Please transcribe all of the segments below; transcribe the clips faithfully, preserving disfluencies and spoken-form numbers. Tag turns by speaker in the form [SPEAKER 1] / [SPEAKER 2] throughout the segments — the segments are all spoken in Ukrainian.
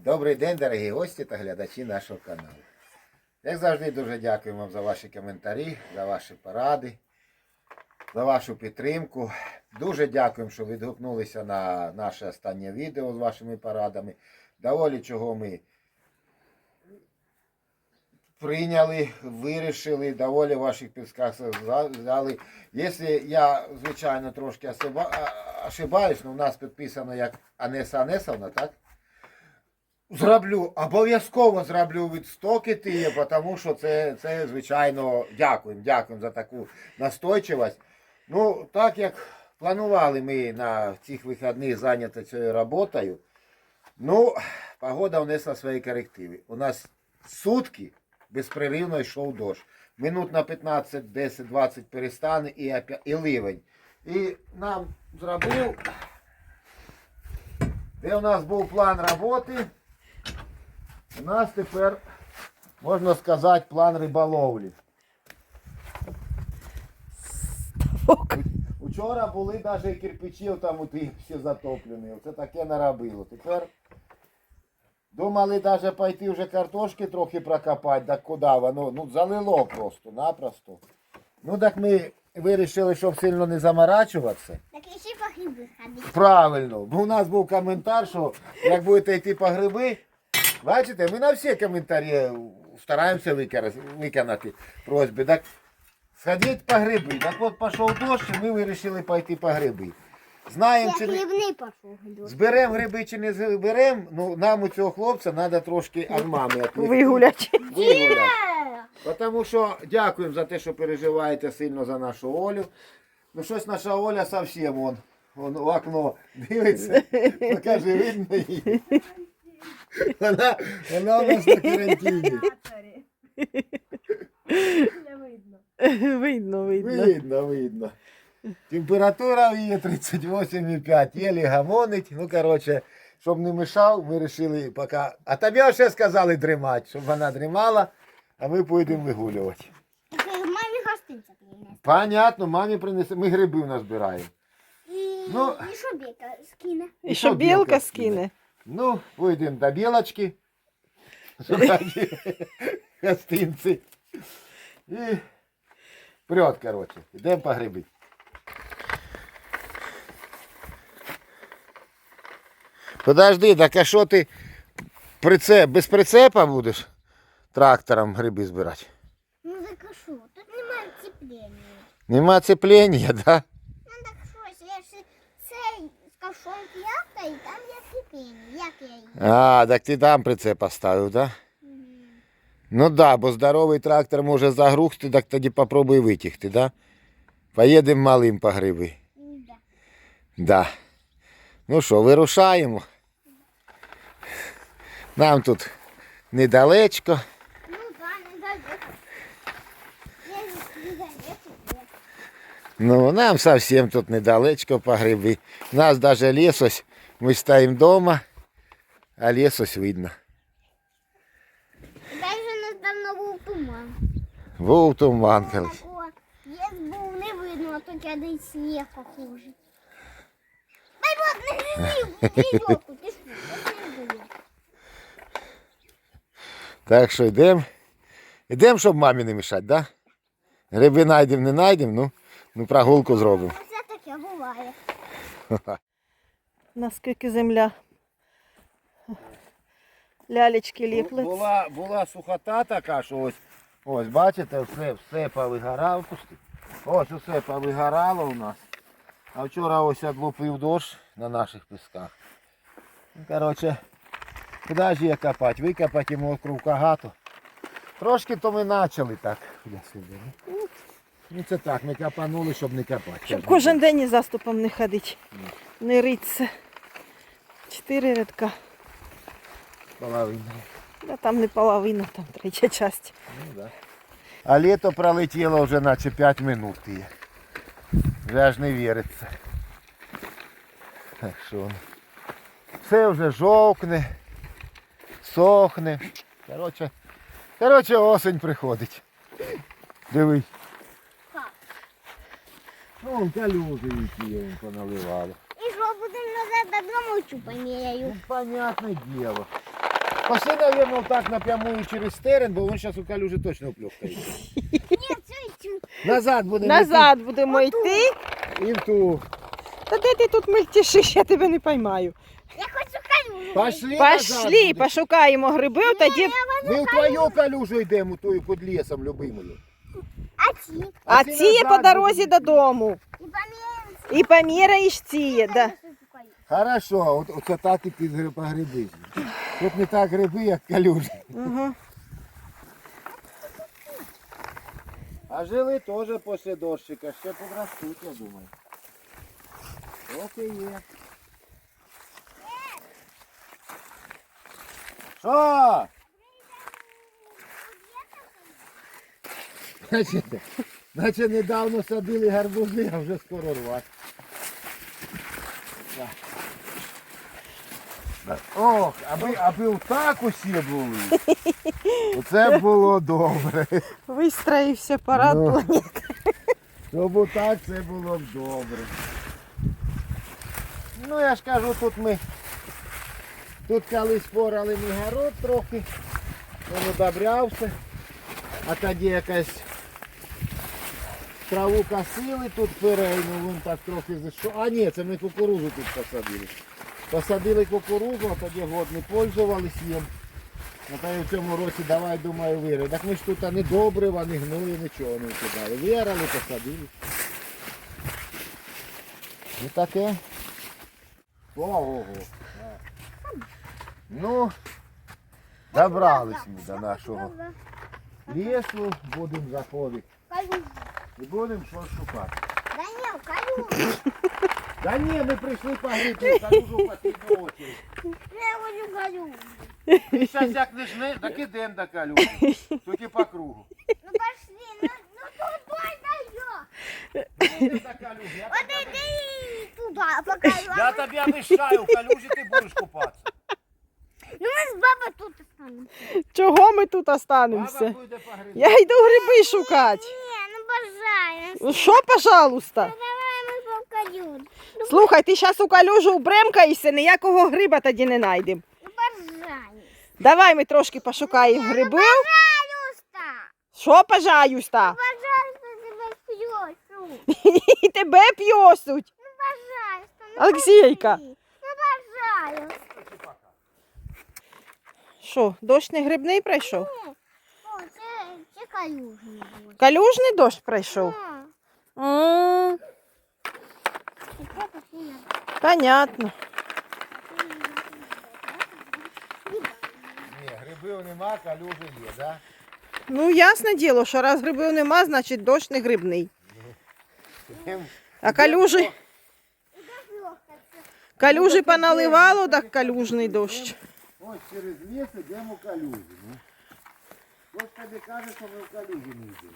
[SPEAKER 1] Добрий день, дорогі гості та глядачі нашого каналу. Як завжди, дуже дякую вам за ваші коментарі, за ваші поради, за вашу підтримку. Дуже дякуємо, що відгукнулися на наше останнє відео з вашими порадами. Доволі чого ми прийняли, вирішили, доволі ваших підсказок взяли. Якщо я, звичайно, трошки ошибаюсь, але у нас підписано як Анеса Анесовна, так? Зроблю, обов'язково зроблю відстоки ті, тому що це, це, звичайно, дякуємо, дякуємо за таку настойчивість. Ну, так як планували ми на цих вихідних зайняти цією роботою, ну, погода внесла свої корективи. У нас сутки безперервно йшов дощ. Минут на п'ятнадцять, десять, двадцять перестане і, і ливень. І нам зробив, де у нас був план роботи, у нас тепер, можна сказати, план риболовлі. Вчора були навіть кирпичів там у тих всі затоплені. Це таке наробило. Тепер думали навіть пойти вже картошки трохи прокопати, так куди воно? Ну залило просто-напросто. Ну так ми вирішили, щоб сильно не заморачуватися.
[SPEAKER 2] Так і ще по гриби ходити.
[SPEAKER 1] Правильно. Бо у нас був коментар, що як будете йти по гриби, бачите, ми на всі коментарі стараємося виконати просьби. Так сходіть по гриби. Так от пішов дощ, і ми вирішили пойти по гриби. Знаємо, чи
[SPEAKER 2] Грибний пішов дощ.
[SPEAKER 1] зберемо гриби чи не зберемо, ну нам у цього хлопця треба трошки від мами відвлекти.
[SPEAKER 3] Вигулять.
[SPEAKER 1] Вигуляти. Тому що дякуємо за те, що переживаєте сильно за нашу Олю. Ну щось наша Оля зовсім вон, вон в окно дивиться. Покажи, видно її. Вона, вона у нас на карантині.
[SPEAKER 3] Видно, видно.
[SPEAKER 1] Видно, видно. Температура в її тридцять вісім і п'ять. Єлі гамонить. Ну, коротше, щоб не мішав, ми вирішили поки... А тобі ще сказали дрімати, щоб вона дрімала, а ми поїдемо вигулювати.
[SPEAKER 2] Так мамі гостинця принесе.
[SPEAKER 1] Понятно, мамі принесе. Ми гриби назбираємо.
[SPEAKER 2] І,
[SPEAKER 1] Ну.
[SPEAKER 2] і що біка скине?
[SPEAKER 3] І що білка скине.
[SPEAKER 1] Ну, поїдемо до білочки. Гостинці. І вперед, коротше. Йдемо по гриби. Подожди, так а що ти прицеп, без прицепа будеш трактором гриби збирати?
[SPEAKER 2] Ну так а що? Тут немає цеплення.
[SPEAKER 1] Нема цеплення, так? Да?
[SPEAKER 2] Ну так що, я ж цей з ковшом п'ята і там є цеплення. Як я її?
[SPEAKER 1] А, так ти там прицеп поставив, так? Да?
[SPEAKER 2] Угу.
[SPEAKER 1] Ну так, да, бо здоровий трактор може загрузти, так тоді попробуй витягти, так? Да? Поїдемо малим по гриби.
[SPEAKER 2] Да.
[SPEAKER 1] Да. Ну що, вирушаємо. Нам тут недалечко.
[SPEAKER 2] Ну да, недалеко. Я ж недалеко.
[SPEAKER 1] Ну, нам зовсім тут недалечко по гриби. У нас навіть ліс ось, ми стоїмо вдома, а ліс ось видно.
[SPEAKER 2] Даже недавно був туман.
[SPEAKER 1] Був туман колись.
[SPEAKER 2] Такого ліс був не видно, а то кидає сніг похожий. Дай вот не грізив, грізьовку, ти що, я не
[SPEAKER 1] Так що йдемо. Йдемо, щоб мамі не мішати, так? Да? Гриби знайдемо, не знайдемо, ну, ну прогулку зробимо.
[SPEAKER 2] Це таке буває.
[SPEAKER 3] Наскільки земля. Лялечки ліплять.
[SPEAKER 1] Була, була сухота така, що ось, ось бачите, все, все повигорало. Пусти. Ось усе повигорало у нас. А вчора ось одлупив дощ на наших пісках. Ну, коротше, куди ж її копати? Викопати йому кругкагато. Трошки то ми почали так. Ну це так, ми копанули, щоб не копати.
[SPEAKER 3] Щоб кожен день із заступом не ходити. Не риться. Чотири рядка.
[SPEAKER 1] Половина.
[SPEAKER 3] Да, там не половина, там третя часть.
[SPEAKER 1] Ну, да. А літо пролетіло вже наче п'ять минут. Є. Вже аж не віриться. Так що все вже жовкне, сохне. Коротше, коротше осень приходить. Дивись. Ну, калюжі які їм поналивало.
[SPEAKER 2] І що, будемо назад додому чу поміряю?
[SPEAKER 1] Ну, понятне діло. Пошли, наверное, так напрямую через терен, бо він зараз у калюжі точно вплюхає.
[SPEAKER 2] Ні, це чу.
[SPEAKER 1] Назад будемо
[SPEAKER 3] Назад будемо йти.
[SPEAKER 1] йти і в ту.
[SPEAKER 3] Та де ти тут мельтішиш, я тебе не поймаю.
[SPEAKER 2] Я хочу калюжу.
[SPEAKER 1] Пошли, назад
[SPEAKER 3] Пошли,
[SPEAKER 1] будемо.
[SPEAKER 3] пошукаємо гриби, тоді.
[SPEAKER 1] Ми в твою калюжу йдемо, тою під лісом, любимою.
[SPEAKER 2] А ці?
[SPEAKER 3] А
[SPEAKER 1] ці
[SPEAKER 3] ці є
[SPEAKER 1] назад
[SPEAKER 3] по дорозі
[SPEAKER 1] будемо.
[SPEAKER 3] додому.
[SPEAKER 2] І поміємо.
[SPEAKER 3] І поміряєш ці, да.
[SPEAKER 1] Хорошо, от, оце так і під гри- по гриби. Тут не так гриби, як калюжі.
[SPEAKER 3] Угу.
[SPEAKER 1] А жили теж після дощика, ще подростуть, я думаю. Ок і є. Що? Значить, значить, недавно садили гарбузи, а вже скоро рвати. Так. Так. Ох, аби, аби отак усі були. Оце було добре.
[SPEAKER 3] Вистроївся парад
[SPEAKER 1] Ну.
[SPEAKER 3] планет.
[SPEAKER 1] Щоб отак це було б добре. Ну я ж кажу, тут ми тут колись порали ми город трохи, він удобрявся, а тоді якась траву косили, тут перейну, він так трохи зайшов. А ні, це ми кукурузу тут посадили. Посадили кукурузу, а тоді год не пользувались їм. А то в цьому році давай, думаю, вирили. Так ми ж тут не добрива, не гнули, нічого не кидали. Вирали, посадили. Ну таке. Ого. Ну, добрались ми до нашого лісу, будемо заходити.
[SPEAKER 2] Калюжу.
[SPEAKER 1] І будемо щось шукати.
[SPEAKER 2] Да ні, калюжу.
[SPEAKER 1] Та ні, ми прийшли погріти, калюжу в останню очередь.
[SPEAKER 2] Я хочу калюжу.
[SPEAKER 1] І зараз як не жне, так ідемо до калюжі. Тільки по кругу.
[SPEAKER 2] Ну пошли, ну, ну туда дай
[SPEAKER 1] Ідемо до калюжі. Я
[SPEAKER 2] Вот
[SPEAKER 1] тобі-
[SPEAKER 2] иди туда, покажу.
[SPEAKER 1] Я тобі обіцяю, в калюжі ти будеш купатися.
[SPEAKER 2] Ну мы с бабой тут останемся.
[SPEAKER 3] Чого ми тут
[SPEAKER 1] Баба
[SPEAKER 3] останемося?
[SPEAKER 1] буде погріти.
[SPEAKER 3] Я йду гриби шукати.
[SPEAKER 2] Не, ну пожалуйста.
[SPEAKER 3] Ну що, пожалуйста?
[SPEAKER 2] Ну давай мы покажем. Ну,
[SPEAKER 3] Слухай, ти зараз у калюжу вбремкаєшся, ніякого гриба тоді не знайдемо.
[SPEAKER 2] ну пожалуйста.
[SPEAKER 3] Давай ми трошки пошукаємо грибів.
[SPEAKER 2] Пожалуйста.
[SPEAKER 3] Що, пожалуйста?
[SPEAKER 2] Пожалуйста, тебя пьёсу.
[SPEAKER 3] І тебе п'єсуть.
[SPEAKER 2] Ну пожалуйста. Ну,
[SPEAKER 3] Олексійка.
[SPEAKER 2] пошли. Ну пожалуйста.
[SPEAKER 3] Що, дощ не грибний пройшов?
[SPEAKER 2] Ні. О, це, це калюжний буде.
[SPEAKER 3] Калюжний дощ пройшов?
[SPEAKER 2] А,
[SPEAKER 3] М,
[SPEAKER 2] і це пошли на
[SPEAKER 3] Понятно.
[SPEAKER 1] Ні, грибів нема, калюжі є, да?
[SPEAKER 3] Ну, ясне діло, що раз грибів нема, значить дощ не грибний.
[SPEAKER 1] Ідем-
[SPEAKER 3] А калюжі,
[SPEAKER 2] легко.
[SPEAKER 3] калюжі поналивало, так калюжний дощ.
[SPEAKER 1] Ось через ліс йдемо в калюжі. Ну. Хтось тобі каже, що ми в калюжі не йдемо.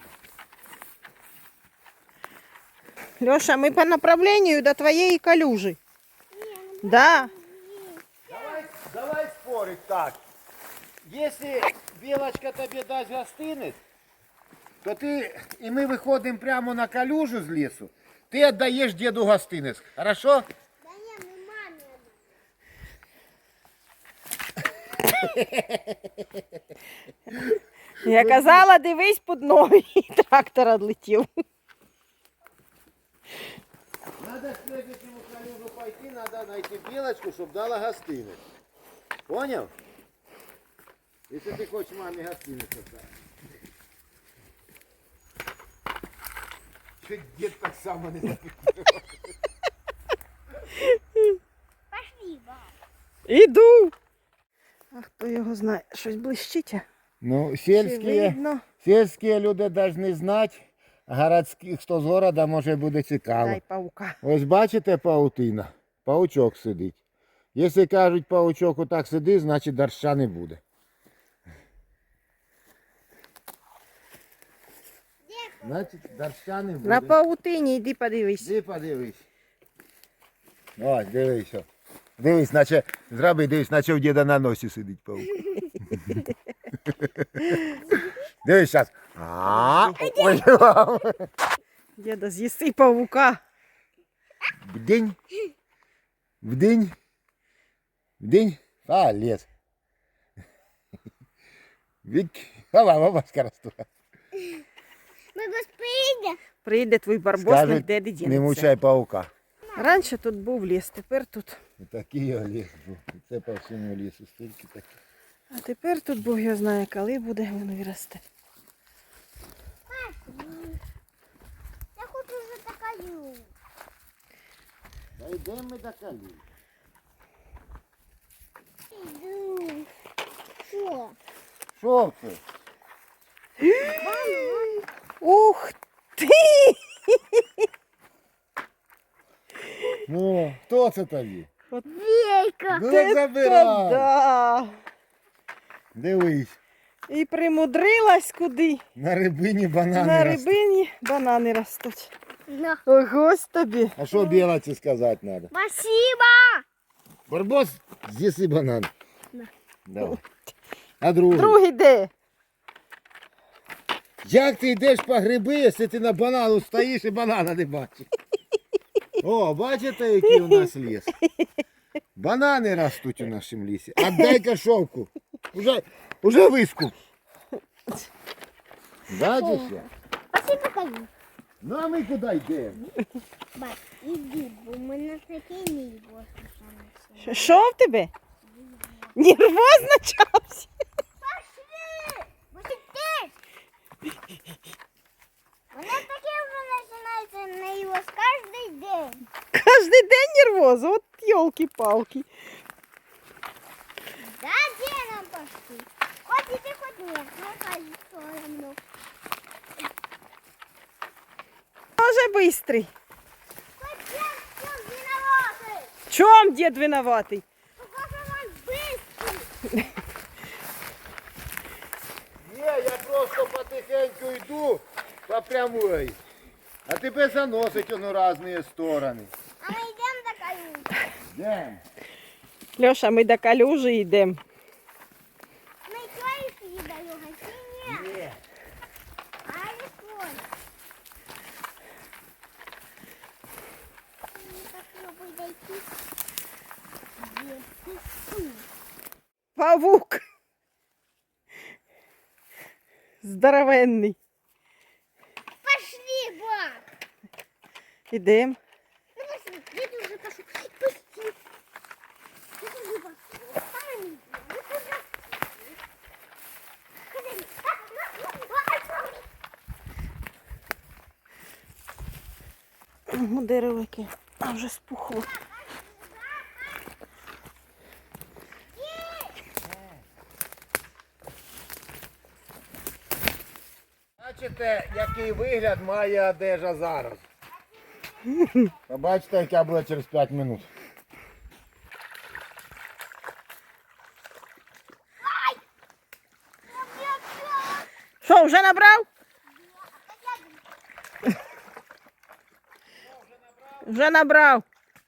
[SPEAKER 3] Леша, ми по направлению до твоєї калюжі. Да.
[SPEAKER 1] Давай, давай спорить так. Если белочка тебе дасть гостинець, то ти, і ми виходимо прямо на калюжу з лісу, ти віддаєш діду гостинець. Хорошо?
[SPEAKER 2] Да ні, ми мамі.
[SPEAKER 3] Я казала, дивись під ноги, і трактор відлетів.
[SPEAKER 1] Надо следующему калюжу пойти, надо найти белочку, щоб дала гостинець. Понял? Если ты хочешь маме гостинець отдать. Чуть дед так само не запитал.
[SPEAKER 2] Пошли, баб.
[SPEAKER 3] Іду. А хто його знає, щось блищить? а?
[SPEAKER 1] Ну,
[SPEAKER 3] Чи
[SPEAKER 1] сельские,
[SPEAKER 3] видно?
[SPEAKER 1] сельские люди должны знать, а городських, хто з города, може буде цікаво.
[SPEAKER 3] Дай паука.
[SPEAKER 1] Ось бачите паутина? Паучок сидить. Якщо кажуть, паучок отак сидить, значить доща не буде. Значить доща не буде.
[SPEAKER 3] На паутині йди подивись.
[SPEAKER 1] Іди подивись. Ось, дивись. о. Дивись, наче, зроби, дивись, наче в діда на носі сидить паук. Дивись зараз. А, ой,
[SPEAKER 3] Діда, з'їси павука.
[SPEAKER 1] Вдень. Вдень. Вдень. А, лес. Від голова бабка росте.
[SPEAKER 2] Барбос прийде.
[SPEAKER 3] Прийде твій барбос,
[SPEAKER 1] Скажуть,
[SPEAKER 3] ніде не
[SPEAKER 1] Не
[SPEAKER 3] дінеться.
[SPEAKER 1] мучай паука.
[SPEAKER 3] Раніше тут був ліс, тепер тут.
[SPEAKER 1] Такий ліс був. Це по всьому лісу стільки таких.
[SPEAKER 3] А тепер тут Бог його знає, коли буде воно виросте.
[SPEAKER 2] Я хочу вже такаю.
[SPEAKER 1] Та йдемо ми до калі.
[SPEAKER 2] Іду. Що?
[SPEAKER 1] Що це?
[SPEAKER 3] Ух ти!
[SPEAKER 1] Ну, хто це тобі?
[SPEAKER 2] Вейка.
[SPEAKER 1] Ну так забирай.
[SPEAKER 3] Да.
[SPEAKER 1] Дивись.
[SPEAKER 3] І примудрилась куди?
[SPEAKER 1] На рибині банани
[SPEAKER 3] На
[SPEAKER 1] ростуть.
[SPEAKER 3] рибині банани ростуть.
[SPEAKER 2] На.
[SPEAKER 3] Ось тобі.
[SPEAKER 1] А що білоці сказати треба?
[SPEAKER 2] Спасибо.
[SPEAKER 1] Барбос, з'їси банан.
[SPEAKER 2] На.
[SPEAKER 1] Давай. А другий?
[SPEAKER 3] Другий де?
[SPEAKER 1] Як ти йдеш по гриби, якщо ти на банану стоїш і банана не бачиш? О, бачите, який у нас ліс? Банани ростуть у нашому лісі. Отдай кошовку. Уже, уже вискуп. Бачиш? я?
[SPEAKER 2] Спасибо, такаю.
[SPEAKER 1] Ну а ми куди йдемо?
[SPEAKER 2] Бать, іди, бо в мене такий мій
[SPEAKER 3] Що- Що в тебе? Нервозно чався?
[SPEAKER 2] Пошли! Бо ти теж. Мене таке вже починається на його кожен день.
[SPEAKER 3] Кожний день нервоз, от йолки-палки.
[SPEAKER 2] Да, де нам пошли? Хоч іди, хоч ні. Нехай все одно.
[SPEAKER 3] Може бистрий.
[SPEAKER 2] Хоч я все виноватий.
[SPEAKER 3] В чому дід винуватий?
[SPEAKER 2] Покажи вам быстро.
[SPEAKER 1] Ні, я просто потихеньку йду по прямой. А тебе заносить воно в різні сторони.
[SPEAKER 2] А ми йдемо до калюжі.
[SPEAKER 1] Йдемо.
[SPEAKER 3] Льоша, ми до калюжі йдемо.
[SPEAKER 2] Ми чуєш її до його, чи ні?
[SPEAKER 1] Ні.
[SPEAKER 2] А не сон. Попробуй дойти. Где ты?
[SPEAKER 3] Павук. Здоровенний.
[SPEAKER 2] Пошли, баб!
[SPEAKER 3] Ідемо.
[SPEAKER 2] Ну пошли, я тоже пошел. Пусти. Я тоже пошел. Сами. Я тоже. Ходи.
[SPEAKER 3] О, дерево яке. А вже спухло.
[SPEAKER 1] Бачите, який вигляд має одежа зараз. Побачите, яка буде через п'ять минут.
[SPEAKER 3] Що, вже набрав? Вже набрав.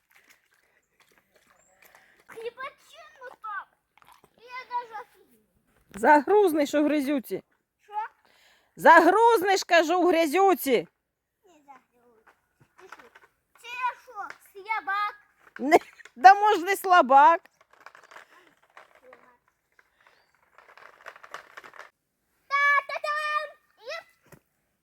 [SPEAKER 2] Хлебачину там. Я даже офигел.
[SPEAKER 3] Загрузнеш у грязюці.
[SPEAKER 2] Что?
[SPEAKER 3] Загрузнеш, кажу, у грязюці.
[SPEAKER 2] Не знаю. Пиши. Це я що? Слабак.
[SPEAKER 3] Не, да може не слабак.
[SPEAKER 2] Та-та-там! Єп.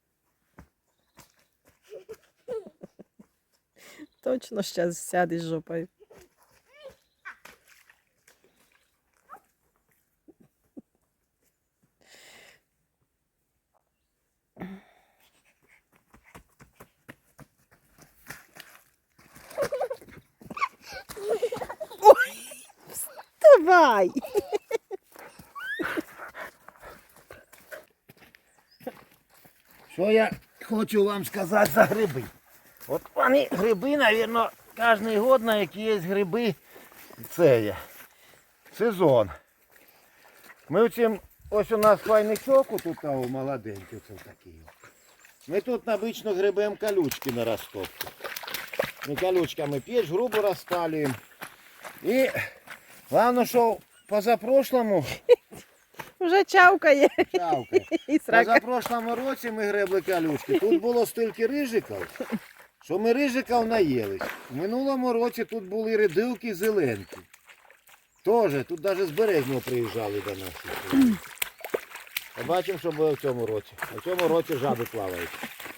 [SPEAKER 3] Точно зараз сядеш жопою. Ой, вставай.
[SPEAKER 1] Що я хочу вам сказати за гриби? От вони гриби, мабуть, кожен год на якісь гриби це є. Сезон. Ми оцім, ось у нас хвойничок, тут молоденький, це такий. Ми тут обично грибемо колючки на розтопку. Ми колючками піч, грубо розпалюємо. І головне, що позапрошлому
[SPEAKER 3] Вже чавкає.
[SPEAKER 1] чавкає.
[SPEAKER 3] І срака.
[SPEAKER 1] Позапрошлому році ми гребли колючки. Тут було стільки рижиків, що ми рижиків наїлись. У минулому році тут були редилки зеленки. Тоже, тут навіть з Березного приїжджали до нас. Побачимо, що буде в цьому році. А в цьому році жаби плавають.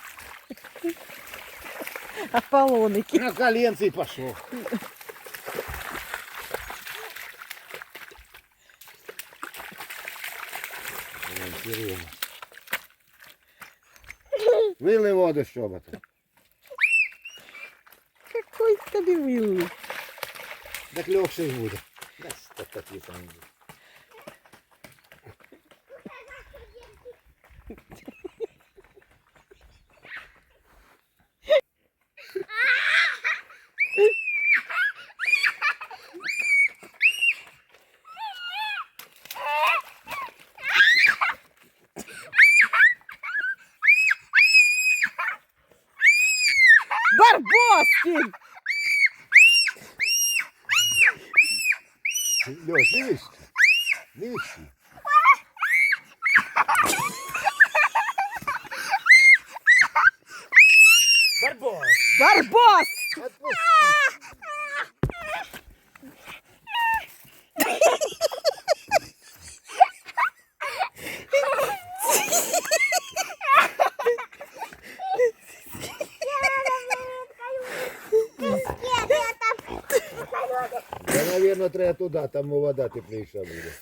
[SPEAKER 3] Аполлоники.
[SPEAKER 1] На коленці й пішов. Вили воду з чобота.
[SPEAKER 3] Какой тобі вилли.
[SPEAKER 1] Так легший буде. Так такі самі будуть.
[SPEAKER 3] Барбоскін!
[SPEAKER 1] Леш, не вищи. Не вищи. Барбос!
[SPEAKER 3] Барбос!
[SPEAKER 1] Да, наверное, треба туди, там вода тепліша буде.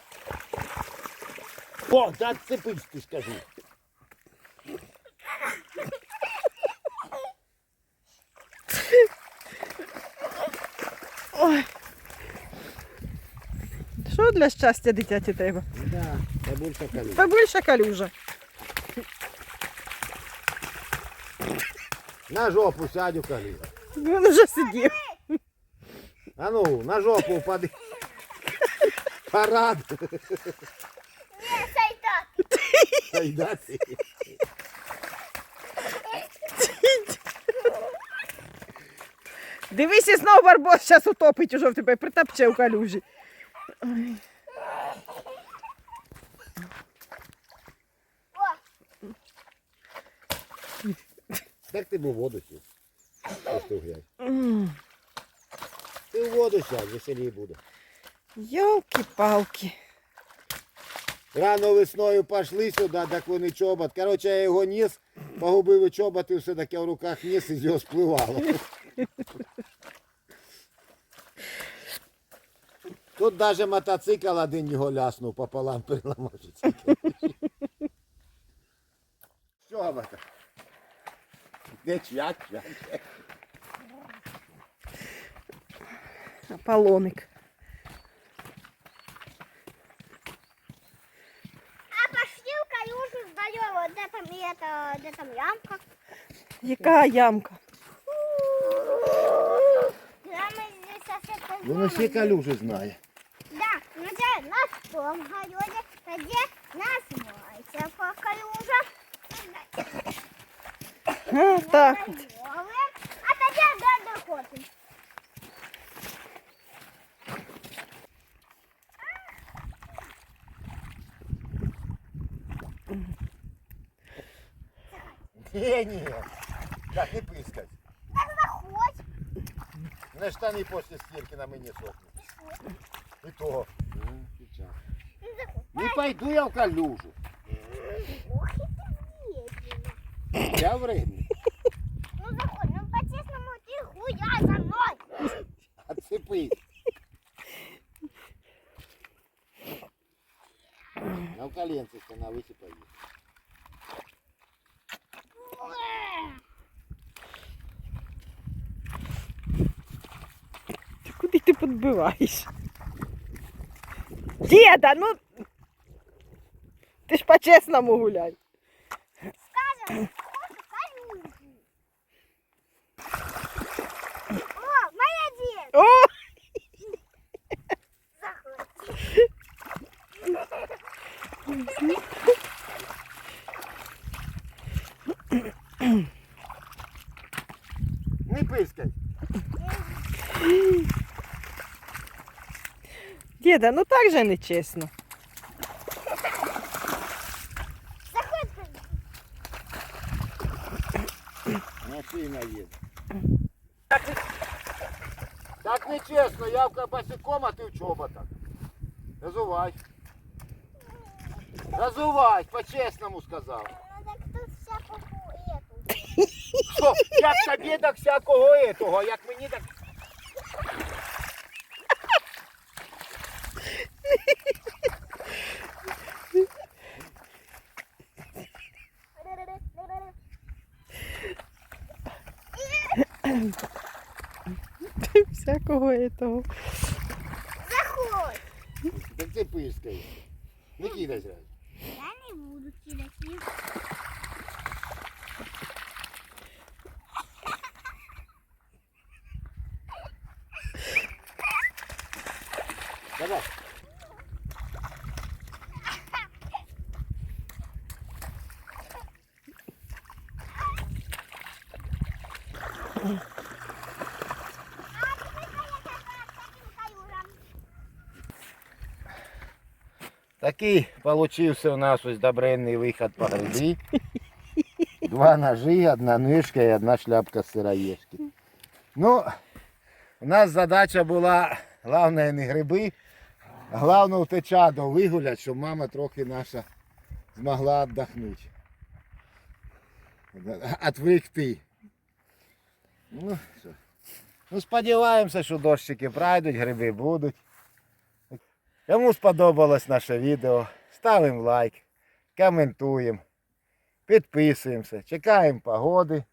[SPEAKER 1] О, так цепись, ти скажу.
[SPEAKER 3] Ой. Що для щастя дитяті треба?
[SPEAKER 1] Да, побольше калюжа.
[SPEAKER 3] Побільше калюжа.
[SPEAKER 1] На жопу сядь у калюжа.
[SPEAKER 3] Він вже сидів.
[SPEAKER 1] А ну, на жопу упади. Парад.
[SPEAKER 2] Ні, сайта.
[SPEAKER 1] Сайдати.
[SPEAKER 3] Дивись, і знову Барбос зараз утопить уже в тебе, притапче у калюжі. Ой.
[SPEAKER 2] О,
[SPEAKER 1] Так ти б у воду сів. Ось ти глянь.
[SPEAKER 3] М.
[SPEAKER 1] Ти в воду сядь, веселій буде.
[SPEAKER 3] Йолки-палки.
[SPEAKER 1] Рано весною пішли сюди, так вони чобот. Коротше, я його ніс, погубив і чобот, і все таке в руках ніс, і з його спливало. Тут навіть мотоцикл один його ляснув, пополам переламався. Що це? Не чвять, чвять.
[SPEAKER 3] Аполлоник.
[SPEAKER 2] а пошли в калюжу сдаем. Де там, это, де там ямка?
[SPEAKER 3] Яка ямка?
[SPEAKER 2] Прямо здесь совсем
[SPEAKER 1] Воно всі калюжі знає.
[SPEAKER 2] Да, ну це на том городе, тоді називається по калюжа.
[SPEAKER 3] А, так. от.
[SPEAKER 2] А тоді де доходимо.
[SPEAKER 1] Ні, ні. Так, не пискать.
[SPEAKER 2] Так заходь.
[SPEAKER 1] На штани після стірки на мені сохнуть. І то. Ну, сейчас.
[SPEAKER 2] Ну, заходь.
[SPEAKER 1] Не пойду я в калюжу.
[SPEAKER 2] Ох, і ти вредний.
[SPEAKER 1] Я вредний.
[SPEAKER 2] Ну заходь, ну по-чесному ти гуляй за мною.
[SPEAKER 1] Отцепись. На в коленце на высыпай.
[SPEAKER 3] Ти куди ти підбиваєш? Діда, ну ти ж по-чесному гуляй.
[SPEAKER 2] Скажем, калюжу. О, молодець.
[SPEAKER 3] О!
[SPEAKER 2] Заходь.
[SPEAKER 1] Не пискай.
[SPEAKER 3] Діда, ну так же не чесно.
[SPEAKER 2] Заходь.
[SPEAKER 1] Машина їде. Так нечесно, я в босиком, а ти в чоботах. Назувай. Разувай, по-чесному сказав.
[SPEAKER 2] Ну так тут всякого ету.
[SPEAKER 1] Що, як тобі так всякого етого, а як мені так...
[SPEAKER 3] Всякого этого.
[SPEAKER 2] Заходь.
[SPEAKER 1] Так ти пискаєш. Не кидай зразу.
[SPEAKER 2] Я не буду кидати.
[SPEAKER 1] Давай. Такий получився у нас ось добренний виход по гриби. Два ножи, одна нишка і одна шляпка сироежки. Ну, у нас задача була, головне не гриби, а головне втечаду вигуляти, щоб мама трохи наша змогла віддохнути. Отвлекти. Ну, що. Ну, сподіваємося, що дощики пройдуть, гриби будуть. Кому сподобалось наше відео, ставимо лайк, коментуємо, підписуємося, чекаємо погоди.